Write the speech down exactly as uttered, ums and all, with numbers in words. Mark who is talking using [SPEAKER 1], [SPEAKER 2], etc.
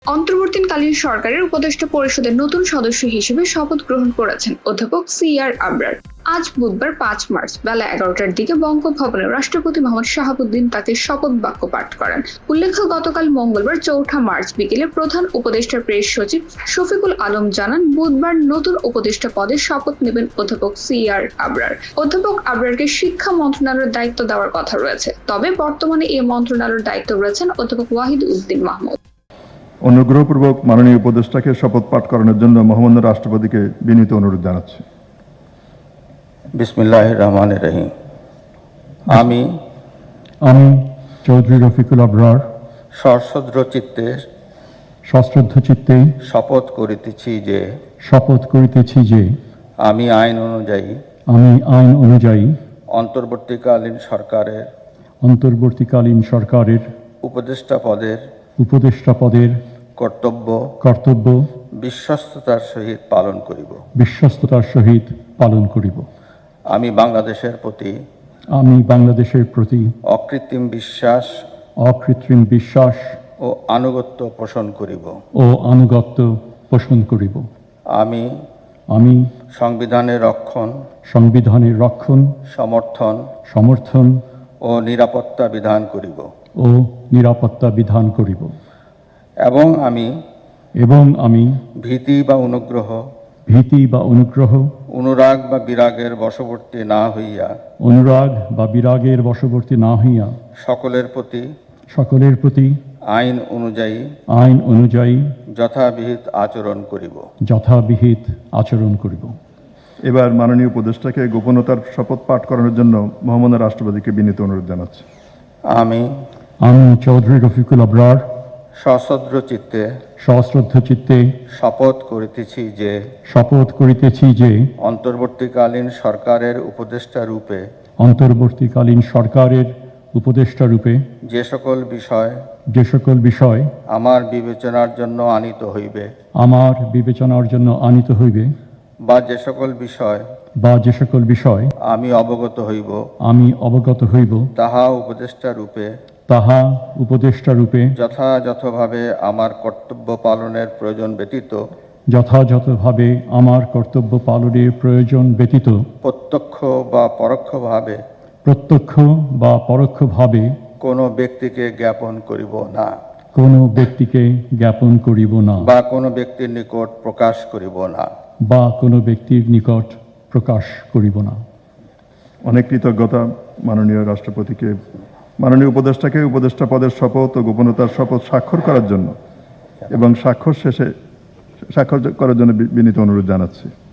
[SPEAKER 1] অন্তর্বর্তীকালীন সরকারের উপদেষ্টা পরিষদের নতুন সদস্য হিসেবে শপথ গ্রহণ করেছেন অধ্যাপক সি আর আবরার। আজ বুধবার পাঁচ মার্চ বেলা এগারোটার দিকে বঙ্গভবনে রাষ্ট্রপতি মোহাম্মদ শাহাবুদ্দিন তাকে শপথ বাক্য পাঠ করেন। উল্লেখ্য, গতকাল মঙ্গলবার চৌঠা মার্চ বিকেলে প্রধান উপদেষ্টার প্রেস সচিব শফিকুল আলম জানান, বুধবার নতুন উপদেষ্টা পদে শপথ নেবেন অধ্যাপক সি আর আবরার। অধ্যাপক আবরারকে শিক্ষা মন্ত্রণালয়ের দায়িত্ব দেওয়ার কথা রয়েছে, তবে বর্তমানে এই মন্ত্রণালয়ের দায়িত্ব রয়েছেন অধ্যাপক ওয়াহিদ উদ্দিন মাহমুদ।
[SPEAKER 2] অনুগ্রহপূর্বক মাননীয় উপদেষ্টাকে শপথ পাঠ করানোর জন্য মহামান্য রাষ্ট্রপতিকে বিনীত অনুরোধ জানাচ্ছি।
[SPEAKER 3] বিসমিল্লাহির রহমানির রহিম। আমি
[SPEAKER 4] আমি চৌধুরী রফিকুল আবরার
[SPEAKER 3] সশ্রদ্ধ চিত্তে
[SPEAKER 4] সশ্রদ্ধ চিত্তে
[SPEAKER 3] শপথ করিতেছি যে
[SPEAKER 4] শপথ করিতেছি যে
[SPEAKER 3] আমি আইন অনুযায়ী
[SPEAKER 4] আমি আইন অনুযায়ী
[SPEAKER 3] অন্তর্বর্তীকালীন সরকারের
[SPEAKER 4] অন্তর্বর্তীকালীন সরকারের
[SPEAKER 3] উপদেষ্টা পদের
[SPEAKER 4] উপদেষ্টা পদের
[SPEAKER 3] কর্তব্য
[SPEAKER 4] কর্তব্য
[SPEAKER 3] বিশ্বস্ততার সহিত পালন করিব
[SPEAKER 4] বিশ্বস্ততার সহিত পালন করিব।
[SPEAKER 3] আমি বাংলাদেশের প্রতি
[SPEAKER 4] আমি বাংলাদেশের প্রতি
[SPEAKER 3] অকৃত্রিম বিশ্বাস
[SPEAKER 4] অকৃত্রিম বিশ্বাস
[SPEAKER 3] ও আনুগত্য পোষণ করিব
[SPEAKER 4] ও আনুগত্য পোষণ করিব।
[SPEAKER 3] আমি
[SPEAKER 4] আমি
[SPEAKER 3] সংবিধানের রক্ষণ,
[SPEAKER 4] সংবিধানের রক্ষণ,
[SPEAKER 3] সমর্থন
[SPEAKER 4] সমর্থন
[SPEAKER 3] ও নিরাপত্তা বিধান করিব
[SPEAKER 4] ও নিরাপত্তা বিধান করিব
[SPEAKER 3] এবং আমি
[SPEAKER 4] এবং আমি
[SPEAKER 3] ভীতি বা অনুগ্রহ
[SPEAKER 4] ভীতি বা অনুগ্রহ
[SPEAKER 3] অনুরাগ বা বিরাগের বশবর্তী না হইয়া
[SPEAKER 4] অনুরাগ বা বিরাগের বশবর্তী না হইয়া
[SPEAKER 3] সকলের প্রতি
[SPEAKER 4] সকলের প্রতি
[SPEAKER 3] আইন অনুযায়ী
[SPEAKER 4] আইন অনুযায়ী
[SPEAKER 3] যথাবিহিত আচরণ করিব
[SPEAKER 4] যথাবিহিত আচরণ করিব।
[SPEAKER 2] এবার মাননীয় উপদেষ্টাকে গোপনতার শপথ পাঠ করানোর জন্য মহামান্য রাষ্ট্রপতিকে বিনীত অনুরোধ জানাচ্ছি।
[SPEAKER 3] আমি
[SPEAKER 4] আমি চৌধুরী রফিকুল আবরার
[SPEAKER 3] সশ্রদ্ধ চিত্তে
[SPEAKER 4] সশ্রদ্ধ চিত্তে
[SPEAKER 3] শপথ করিতেছি যে
[SPEAKER 4] শপথ করিতেছি যে
[SPEAKER 3] অন্তর্বর্তীকালীন সরকারের উপদেষ্টা রূপে
[SPEAKER 4] অন্তর্বর্তীকালীন সরকারের উপদেষ্টা রূপে
[SPEAKER 3] যে সকল বিষয়
[SPEAKER 4] যে সকল বিষয়
[SPEAKER 3] আমার বিবেচনার জন্য আনিত হইবে
[SPEAKER 4] আমার বিবেচনার জন্য আনিত হইবে
[SPEAKER 3] বা যে সকল বিষয়
[SPEAKER 4] বা যে সকল বিষয়
[SPEAKER 3] আমি অবগত হইব
[SPEAKER 4] আমি অবগত হইব
[SPEAKER 3] তাহা উপদেষ্টা রূপে
[SPEAKER 4] তাহা উপদেষ্টা রূপে
[SPEAKER 3] যথাযথভাবে আমার কর্তব্য পালনের প্রয়োজন ব্যতীত
[SPEAKER 4] যথাযথভাবে আমার কর্তব্য পালনের প্রয়োজন ব্যতীত
[SPEAKER 3] প্রত্যক্ষ বা পরোক্ষভাবে
[SPEAKER 4] প্রত্যক্ষ বা পরোক্ষভাবে
[SPEAKER 3] কোনো ব্যক্তিকে জ্ঞাপন করিব না
[SPEAKER 4] কোনো ব্যক্তিকে জ্ঞাপন করিব না
[SPEAKER 3] বা কোনো ব্যক্তির নিকট প্রকাশ করিব না
[SPEAKER 4] বা কোনো ব্যক্তির নিকট প্রকাশ করিব না।
[SPEAKER 2] অনেক কৃতজ্ঞতা মাননীয় রাষ্ট্রপতিকে মাননীয় উপদেষ্টাকে উপদেষ্টা পদের শপথ ও গোপনতার শপথ স্বাক্ষর করার জন্য এবং স্বাক্ষর শেষে স্বাক্ষর করার জন্য বিনীত অনুরোধ জানাচ্ছি।